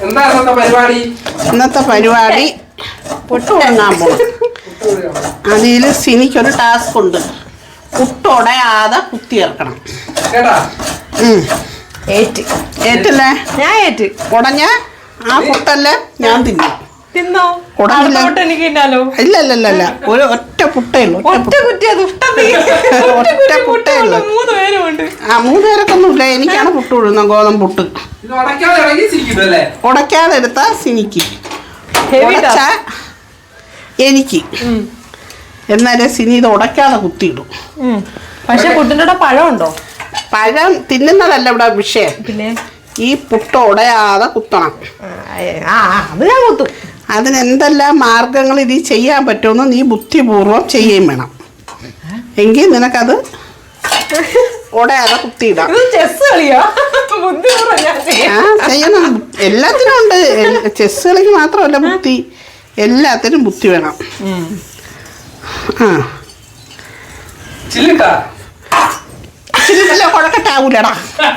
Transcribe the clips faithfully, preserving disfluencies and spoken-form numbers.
ഇന്നത്തെ പരിപാടി പുട്ട് വാങ്ങാൻ പോകും. അതിൽ സിനിക്കൊരു ടാസ്ക് ഉണ്ട്. പുട്ടുടയാതെ കുത്തിയിറക്കണം. ഏറ്റില്ലേ? ഞാൻ ഏറ്റ്. ഉടഞ്ഞ ആ പുട്ടല്ലേ ഞാൻ തിന്നും. തിന്നോ? എനിക്ക് ഇല്ല ഇല്ല ഇല്ല ഒരു ഒറ്റ പുട്ടേ ഉള്ളൂ. ഒറ്റ കുറ്റിയാ ഒറ്റ പുട്ടേ ഉള്ളൂ. മൂന്ന് പേരുമുണ്ട്. ആ മൂന്ന് പേരൊക്കെ ഇല്ല. എനിക്കാണ് പുട്ട് വിടുന്നത്, ഗോതമ്പ് പുട്ട്. ഉടയ്ക്കാതെ എടുത്താ സിനിക്ക്, ഉടച്ച എനിക്ക്. എന്നാലേ സിനി ഇത് ഉടയ്ക്കാതെ കുത്തിയിടും. പക്ഷെ പുട്ടിൻ്റെ കൂടെ പഴമുണ്ടോ? പഴം തിന്നുന്നതല്ല ഇവിടെ വിഷയം. പിന്നെ ഈ പുട്ട് ഉടയാതെ കുത്തണം. അത് ഞാൻ കുത്തും. അതിന് എന്തെല്ലാം മാർഗങ്ങൾ ഇത് ചെയ്യാൻ പറ്റുമെന്ന് നീ ബുദ്ധിപൂർവം ചെയ്യുകയും വേണം. എങ്കിൽ നിനക്കത് ഉടയാതെ കുത്തിയിടാം. ആ ചെയ്യണം. എല്ലാത്തിനും ഉണ്ട്. ചെസ് കളിക്ക് മാത്രമല്ല ബുദ്ധി, എല്ലാത്തിനും ബുദ്ധി വേണം. ആ ചില്ലില്ല കുഴക്കട്ടാവൂലടാ.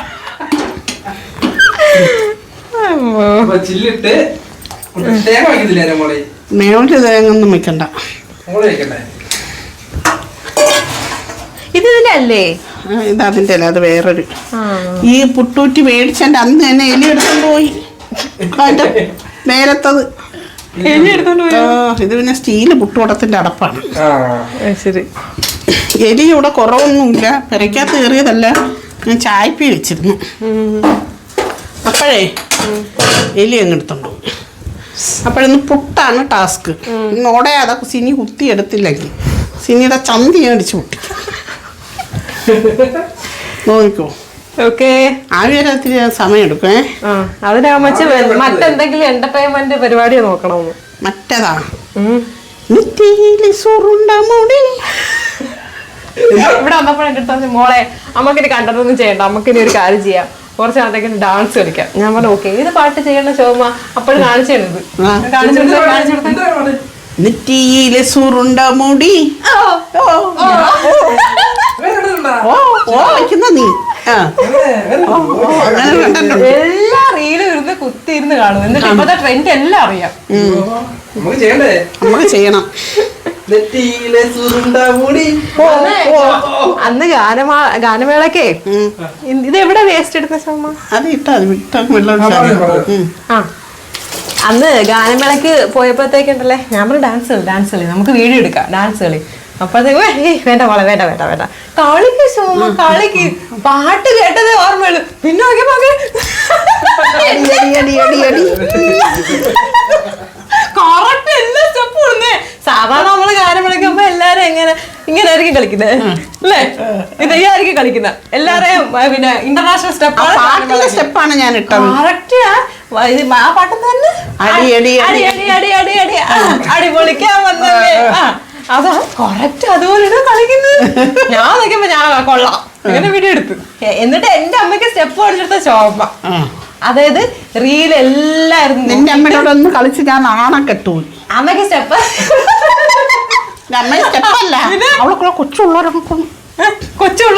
മേളില് തേങ്ങൊന്നും വെക്കണ്ട. ഇതില്ലേ? ഇത് അതിൻ്റെ അല്ല, അത് വേറൊരു. ഈ പുട്ടൂറ്റി മേടിച്ചെന്റെ അന്ന് തന്നെ എലി എടുത്തോണ്ട് പോയി. അതിന്റെ നേരത്തത് ഇത് പിന്നെ സ്റ്റീല് പുട്ടുകുടത്തിന്റെ അടപ്പാണ്. ശരി. എലി ഇവിടെ കുറവൊന്നുമില്ല. പെരയ്ക്കകത്ത് കയറിയതല്ല, ഞാൻ ചായപ്പി വെച്ചിരുന്നു. അപ്പോഴേ എലി അങ്ങ് എടുത്തോണ്ട് പോയി. അപ്പോഴൊന്ന് പുട്ടാണ് ടാസ്ക്. ഇന്നോടെ അതൊക്കെ സിനി കുത്തി എടുത്തില്ലെങ്കിൽ സിനിയുടെ ചന്തി അടിച്ചു പൊട്ടി. നോക്കിക്കോ. ഓക്കെ. ആവിയരത്തിന് സമയം എടുക്കേ. അതിനാകുമ്പോ മറ്റെന്തെങ്കിലും എന്റർടൈൻമെന്റ് പരിപാടി നോക്കണമെന്ന്. മറ്റേതാ ഇവിടെ വന്നപ്പോൾ എന്റെ അടുത്ത് മോളെ നമുക്കിനി കണ്ടതൊന്നും ചെയ്യണ്ട, നമുക്കിനി ഒരു കാര്യം ചെയ്യാം, കുറച്ച് നാളത്തേക്ക് ഡാൻസ് കളിക്കാം. ഞാൻ പറഞ്ഞു ഓക്കെ. ഏത് പാട്ട് ചെയ്യണ്ട ശോഭ? അപ്പോഴും കാണിച്ചു തരുന്നത്. നെറ്റിയിലെ സുറുണ്ട മുടി നീ എല്ലാ റീലും ഇരുന്ന് കുത്തി ഇരുന്ന് കാണും. എന്നിട്ട് ഇപ്പത്തെ ട്രെൻഡ് എല്ലാം അറിയാം. നമുക്ക് ചെയ്യണം. അന്ന് ഗാനമാ ഗാനമേളക്കേ ഇത് എവിടെ വേസ്റ്റ് എടുത്ത ശോഭ? അത് ഇട്ടാ ആ അന്ന് ഗാനമേളക്ക് പോയപ്പോഴത്തേക്കുണ്ടല്ലേ ഞാൻ പറഞ്ഞു ഡാൻസ് കളി ഡാൻസ് കളി നമുക്ക് വീഡിയോ എടുക്കാം, ഡാൻസ് കളി. അപ്പോഴത്തേക്ക് ഏയ് വേണ്ട മോളെ വേണ്ട വേണ്ട വേണ്ട കളിക്ക് ശോഭ കളിക്ക്. പാട്ട് കേട്ടതേ ഓർമ്മയുള്ളൂ. പിന്നെ നോക്കിയപ്പോ കറക്റ്റ് എല്ലാ സ്റ്റെപ്പും ഇടുന്നേ. സാധാരണ നമ്മള് ഗാനം വിളിക്കുമ്പോ എല്ലാരും എങ്ങനെ ഇങ്ങനെ ആയിരിക്കും കളിക്കുന്നത് അല്ലേ? ഇതായിരിക്കും കളിക്കുന്നത് എല്ലാരെയും. പിന്നെ ഇന്റർനാഷണൽ സ്റ്റെപ്പാണ് സ്റ്റെപ്പാണ് ഞാൻ ഇട്ടത്. കറക്റ്റ് ആ പാട്ട് തന്നെ അടി അടി അടി അടി അടി അടി അടി അടി പൊളിക്കാൻ വന്നല്ലേ. അതാ കറക്റ്റ് അതുപോലെ കളിക്കുന്നത്. ഞാൻ നോക്കിയപ്പോ ഞാൻ കൊള്ളാം അങ്ങനെ വീഡിയോ എടുത്തു. എന്നിട്ട് എന്റെ അമ്മയ്ക്ക് സ്റ്റെപ്പ് പഠിച്ചെടുത്ത ശോഭ. അതായത് റീൽ എല്ലായിരുന്നു. നിന്റെ അമ്മയോടൊന്ന് കളിച്ച് ഞാൻ നാണം കെട്ടു. അമ്മയ്ക്ക് സ്റ്റെപ്പ് അമ്മ സ്റ്റെപ്പല്ല, അവളെ കൊച്ചുള്ളവരൊക്കെ കൊച്ചുള്ള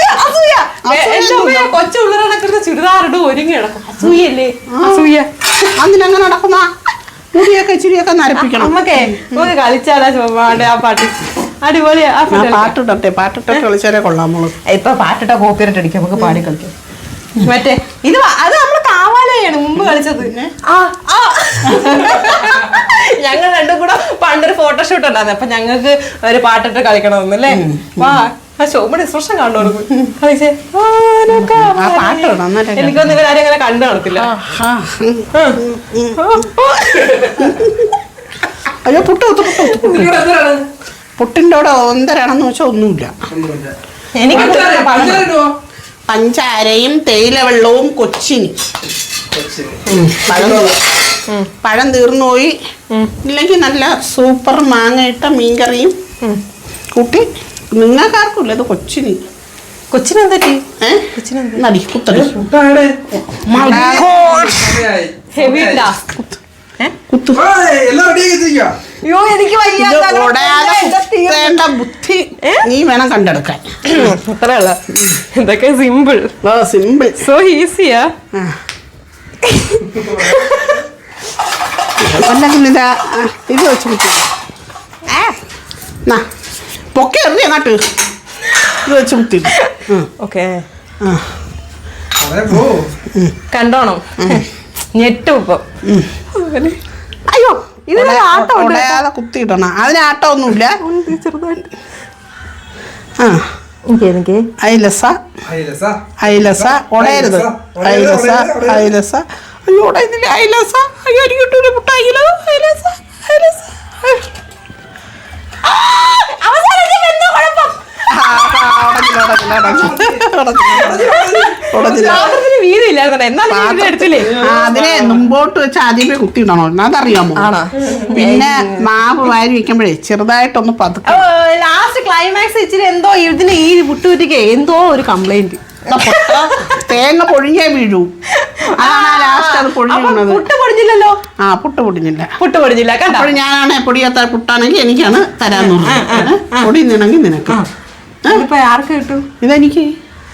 കൊച്ചുള്ളവരൊക്കെ ചുരിദാറിട്ട് ഒരുങ്ങി നടക്കും. അസൂയല്ലേ? അസൂയ. അതിനങ്ങനെ നടക്കുന്ന മുടിയൊക്കെ ഇച്ചിരിയൊക്കെ നരപ്പിക്കണം. അമ്മക്കേ നമുക്ക് കളിച്ചാലാ ചോപ്പാണ്ട് ആ പാട്ട് അടിപൊളിയാ. പാട്ടിട്ടെ പാട്ടിട്ടെ കളിച്ചാലേ കൊള്ളാമോളൂ. ഇപ്പൊ പാട്ടിട്ട കോപ്പിറൈറ്റ് അടിക്കാം, നമുക്ക് പാടി കളിക്കാം. മറ്റേ ഇത് അത് നമ്മള് കാവാലയാണ് മുമ്പ് കളിച്ചത്. ആ ഞങ്ങൾ രണ്ടും കൂടെ പണ്ടൊരു ഫോട്ടോഷൂട്ട് ഉണ്ടായിരുന്നു. അപ്പൊ ഞങ്ങൾക്ക് ഒരു പാട്ടിട്ട് കളിക്കണമെന്നല്ലേ. വാ ആ ശോഭയുടെ എക്സ്പ്രഷൻ കണ്ടോടുന്നു കളിച്ചേ. എനിക്കൊന്നും ഇവരാരും അങ്ങനെ കണ്ടു കാണത്തില്ല. അയ്യോ പുട്ട് കുത്തു പുട്ട് പുട്ടിൻ്റെ കൂടെ ഒന്നരാണെന്ന് വെച്ചാൽ ഒന്നുമില്ല. എനിക്ക് പഞ്ചാരയും തേയില വെള്ളവും കൊച്ചിനി. പഴം പഴം തീർന്നു പോയി. ഇല്ലെങ്കിൽ നല്ല സൂപ്പർ മാങ്ങയിട്ട മീൻകറിയും കൂട്ടി. നിങ്ങൾക്കാർക്കില്ല ഇത് കൊച്ചിനി. കൊച്ചിനെന്താ നടി കുത്തടി കുത്തു. ബുദ്ധി നീ വേണം കണ്ടെടുക്കാൻ. അത്രയുള്ള ഇതൊക്കെ സിമ്പിൾ സിമ്പിൾ സോ ഈസിയാ. അല്ലെങ്കിൽ ഇതാ ഇത് വെച്ച് കുത്തി പൊക്കെ എറിഞ്ഞ അങ്ങോട്ട് ഇത് വെച്ച് കുത്തി. ഓക്കെ ആ കണ്ടോണം ഞെട്ടും ഇപ്പൊ. അയ്യോ ഇതിന് ആട്ടം ഉടയാതെ കുത്തിയിടണം. അതിന് ആട്ടമൊന്നുമില്ല. ചെറുതായിട്ട് ആ എനിക്ക് ഐലസ ഐലസ ഉടയരുത്. ഐലസ ഐലസ അയ്യോ ഉടയുന്നില്ല. ഐലസ അയ്യോ എനിക്ക് കിട്ടൂല മുട്ടായില്ലോ. ഐലസ ഐലസ അതിനെ മുമ്പോട്ട് വെച്ച് ആദ്യമേ കുത്തിയിടണോ അതറിയാമോ? പിന്നെ മാവ് വാരി വെക്കുമ്പോഴേ ചെറുതായിട്ടൊന്ന് പതുക്കെ. ലാസ്റ്റ് ക്ലൈമാക്സ് ഇച്ചിരി എന്തോ ഇതിന് ഈ പുട്ടുകുറ്റിക്ക് എന്തോ ഒരു കംപ്ലൈന്റ്. തേങ്ങ പൊഴിഞ്ഞേ വീഴൂ. അതാണ് ലാസ്റ്റ് അത് പൊഴിഞ്ഞത്. പുട്ട് പൊടിഞ്ഞില്ലല്ലോ. ആ പുട്ട് പൊടിഞ്ഞില്ല. പുട്ട് പൊടിഞ്ഞില്ല. അപ്പോൾ ഞാനാണ് പൊടിയാത്ത പുട്ടാണെങ്കിൽ എനിക്കാണ് തരാന്ന് പറഞ്ഞു. പൊടിയുന്നെങ്കിൽ നിനക്ക്. ഇപ്പൊ ആർക്ക് കിട്ടും? ഇതെനിക്ക്.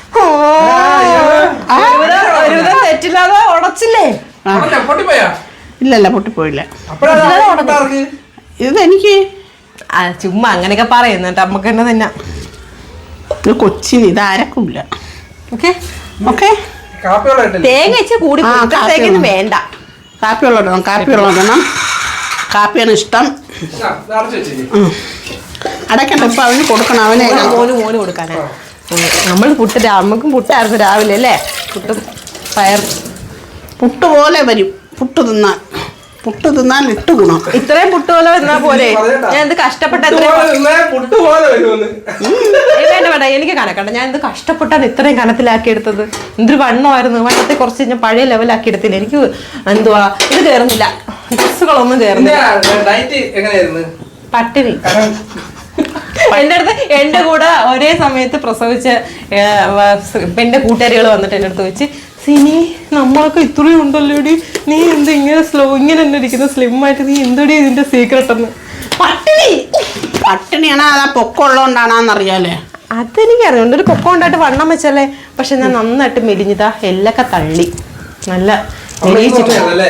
തെറ്റില്ലാതെ ഉടച്ചില്ലേ? ഇല്ലല്ല പൊട്ടിപ്പോയില്ല. ഇതെനിക്ക്. ചുമ്മാ അങ്ങനെയൊക്കെ പറയുന്നുണ്ട് നമുക്ക് തന്നെ തന്നെ. ഇത് കൊച്ചിന് ഇത് അരക്കില്ല. ഓക്കെ ഓക്കെ തേങ്ങ വെച്ച് കൂടി വേണ്ട. കാപ്പി വെള്ളം കാപ്പി വെള്ളം ഇടണം. കാപ്പിയാണ് ഇഷ്ടം. അടക്കണ്ട ഇപ്പൊ അവന് കൊടുക്കണം. അവനെ മോന് മോന് കൊടുക്കാനാ. നമ്മൾ പുട്ട് നമുക്കും പുട്ടായിരുന്നു രാവിലെ അല്ലേ? പുട്ടും പയർ പുട്ട് പോലെ വരും. പുട്ട് തിന്നാൻ പുട്ട് തിന്നാൻ ഇട്ട് ഗുണം. ഇത്രയും പുട്ട് പോലെ വന്നാ പോലെ ഞാൻ എന്ത് കഷ്ടപ്പെട്ട വേണ്ട വേണ്ട എനിക്ക് കണക്കണ്ട. ഞാൻ എന്ത് കഷ്ടപ്പെട്ടാണ് ഇത്രയും കനത്തിലാക്കി എടുത്തത്. എന്തൊരു വണ്ണമായിരുന്നു. വണ്ണത്തെ കുറച്ച് ഞാൻ പഴയ ലെവലാക്കി എടുത്തില്ല. എനിക്ക് എന്തുവാ ഇത് കയറുന്നില്ല. ഡ്രസ്സുകളൊന്നും കയറുന്നില്ല. പട്ടിണി. എൻ്റെ അടുത്ത് എൻ്റെ കൂടെ ഒരേ സമയത്ത് പ്രസവിച്ച എൻ്റെ കൂട്ടുകാരികൾ വന്നിട്ട് എൻ്റെ അടുത്ത് വെച്ച് സിനി നമ്മളൊക്കെ ഇത്രയും ഉണ്ടല്ലോടി, നീ എന്ത് ഇങ്ങനെ സ്ലോ ഇങ്ങനെ തന്നെ ഇരിക്കുന്ന സ്ലിം ആയിട്ട്, നീ എന്തോടി ഇതിന്റെ സീക്രട്ട് എന്ന്. പട്ടിണി പട്ടിണിയാണ്. അതാ പൊക്കമുള്ളതുകൊണ്ടാണെന്നറിയാലേ? അതെനിക്കറിയാം. ഒരു പൊക്കം ഉണ്ടായിട്ട് വണ്ണം വെച്ചല്ലേ. പക്ഷെ ഞാൻ നന്നായിട്ട് മെലിഞ്ഞതാ. എല്ലൊക്കെ തള്ളി നല്ല മെലിയിച്ചിട്ട്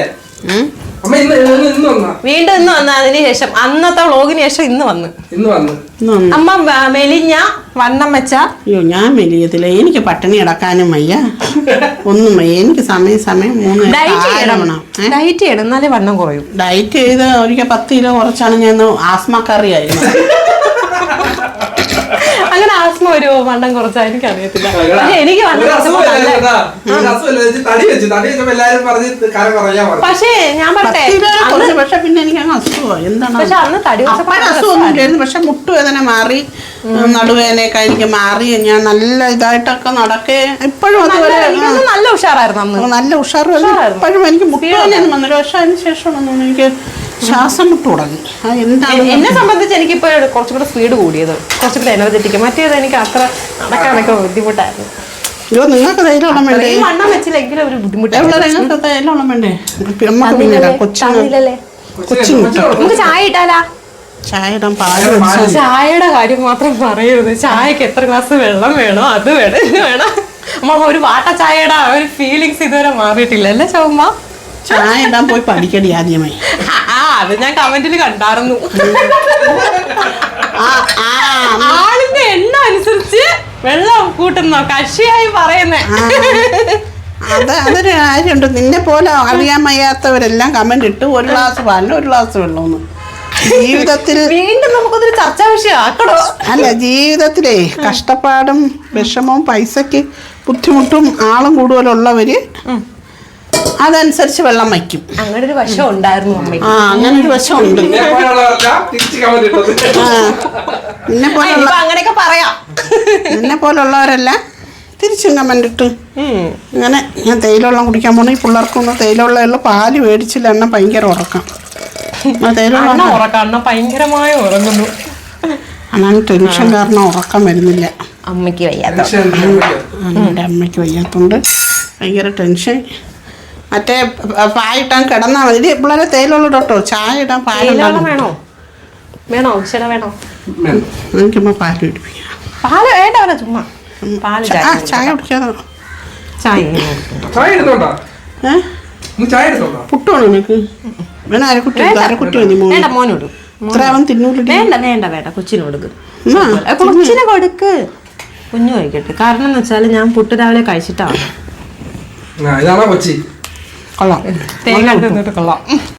വീണ്ടും ഇന്ന് വന്ന. അതിന് ശേഷം അന്നത്തെ വ്ളോഗിന് ശേഷം ഇന്ന് വന്ന് അമ്മ മെലിഞ്ഞ വണ്ണം വെച്ച. അയ്യോ ഞാൻ മെലിയത്തില്ല. എനിക്ക് പട്ടിണി കിടക്കാനും വയ്യ, ഒന്നും വയ്യ. എനിക്ക് സമയം സമയം മൂന്ന് ഡയറ്റ് ചെയ്യണം എന്നാലേ വണ്ണം കുറയും. ഡയറ്റ് ചെയ്ത് ഒരിക്കൽ പത്ത് കിലോ കുറച്ചാണ് ഞാൻ. ആസ്മക്കറിയായിരുന്നു. അങ്ങനെ ആസ്മ ഒരു വണ്ണം കുറച്ചാ എനിക്കറിയത്തില്ല. പക്ഷെ എനിക്ക് പക്ഷേ ഞാൻ പറഞ്ഞേ പക്ഷെ പിന്നെ എനിക്ക് അങ്ങ് അസുഖമാണ്. എന്താണ് പക്ഷെ അന്ന് തടി അസുഖമൊന്നുമില്ലായിരുന്നു. പക്ഷെ മുട്ടുവേദന മാറി, നടുവേദനയൊക്കെ എനിക്ക് മാറി. ഞാൻ നല്ല ഇതായിട്ടൊക്കെ നടക്കേ. ഇപ്പോഴും അതുപോലെ നല്ല ഉഷാറായിരുന്നു അന്ന്. നല്ല ഉഷാറായിരുന്നു. ഇപ്പോഴും എനിക്ക് മുട്ടുവേദനയൊന്നും വന്നില്ല. പക്ഷെ അതിന് ശേഷമൊന്നും എനിക്ക് ശ്വാസം മുട്ട് തുടങ്ങി. എന്താണ് എന്നെ സംബന്ധിച്ച് എനിക്കിപ്പോ കുറച്ചും കൂടെ സ്പീഡ് കൂടിയത്, കുറച്ചും കൂടെ എനർജറ്റിക്. മറ്റേത് എനിക്ക് അത്ര നടക്കാനൊക്കെ ബുദ്ധിമുട്ടായിരുന്നു. അയ്യോ നിങ്ങൾക്ക് ധൈര്യമുള്ള വേണ്ടേ? വണ്ണം വെച്ചില്ലെങ്കിലും ഒരു ബുദ്ധിമുട്ട്. നിങ്ങൾക്ക് ധൈര്യമുള്ള വേണ്ടേ? നമുക്ക് ചായ ഇട്ടാലാ? ചായ ഇടാൻ പാല്. ചായയുടെ കാര്യം മാത്രം പറയരുത്. ചായക്ക് എത്ര ഗ്ലാസ് വെള്ളം വേണോ അത് വേണം ഇത് വേണം. നമ്മൾ ഒരു വാട്ട ചായയുടെ ഒരു ഫീലിങ്സ് ഇതുവരെ മാറിയിട്ടില്ല അല്ലേ ചുമ്മ? ചായ ഇടാൻ പോയി പഠിക്കടി ആദ്യമായി. ആ അത് ഞാൻ കമന്റിൽ കണ്ടായിരുന്നു. ആളിന്റെ എണ്ണ അനുസരിച്ച് വെള്ളം കൂട്ടുന്നോ കക്ഷിയായി പറയുന്നേ. അത് അതൊരു കാര്യമുണ്ട്. നിന്നെ പോലെ അറിയാൻ വയ്യാത്തവരെല്ലാം കമന്റ് ഇട്ട് ഒരു ഗ്ലാസ് പാലിന് ഒരു ഗ്ലാസ് വെള്ളമൊന്നും. ജീവിതത്തിൽ വീണ്ടും നമുക്കതൊരു ചർച്ചാ വിഷയം ആക്കണോ? അല്ല, ജീവിതത്തിലേ കഷ്ടപ്പാടും വിഷമവും പൈസക്ക് ബുദ്ധിമുട്ടും ആളും കൂടുതലുള്ളവര് അതനുസരിച്ച് വെള്ളം വയ്ക്കും. അങ്ങനെ ഒരു വശം ഉണ്ടായിരുന്നു അമ്മ. ആ അങ്ങനെ ഒരു വശം ഉണ്ട്. നിന്നെ പോലുള്ള അങ്ങനെയൊക്കെ പറയാം. നിന്നെ പോലുള്ളവരെല്ലാം തിരിച്ചും കമന്റ് ഇട്ട് അങ്ങനെ. ഞാൻ തേയിലെള്ളം കുടിക്കാൻ പോണ ഈ പിള്ളേർക്കൊന്നും തേയിലുള്ള പാല് മേടിച്ചില്ല. എണ്ണ ഭയങ്കര ഉറക്കം. ഉറക്കം ഭയങ്കരമായ ഉറങ്ങുന്നു. അതാണ് ടെൻഷൻ കാരണം ഉറക്കം വരുന്നില്ല. അമ്മയ്ക്ക് വയ്യാത്ത എൻ്റെ അമ്മയ്ക്ക് വയ്യാത്തോണ്ട് ഭയങ്കര ടെൻഷൻ. മറ്റേ പായിട്ടാൻ കിടന്നാൽ മതി. പിള്ളേരെ തേയിലുള്ള കേട്ടോ. ചായ ഇടാൻ പാലുണ്ടാകും. വേണോ വേണോ ശര വേണോ? എനിക്കുമ്പോ പാല് പിടിപ്പിക്കാം. പാല് വേണ്ട ചുമ്മാ പാല് ചായ കുടിക്കാതെ. ചായ പുട്ട് വേണോ നിനക്ക്? വേണം അരക്കുട്ടി അരക്കുട്ടി മതി മോന് വേണ്ട മോനോട് ഇത്ര അവൻ തിന്നൂല വേണ്ട വേണ്ട വേണ്ട കൊച്ചിന് കൊടുക്ക് എന്നാ, കൊച്ചിന് കൊടുക്ക് കുഞ്ഞു കഴിക്കട്ടെ കാരണം എന്ന് വെച്ചാല് ഞാൻ പുട്ട് രാവിലെ കഴിച്ചിട്ടാണ് ഇതാണോ കൊച്ചി കൊള്ളാം തേങ്ങ തിന്നിട്ട് കൊള്ളാം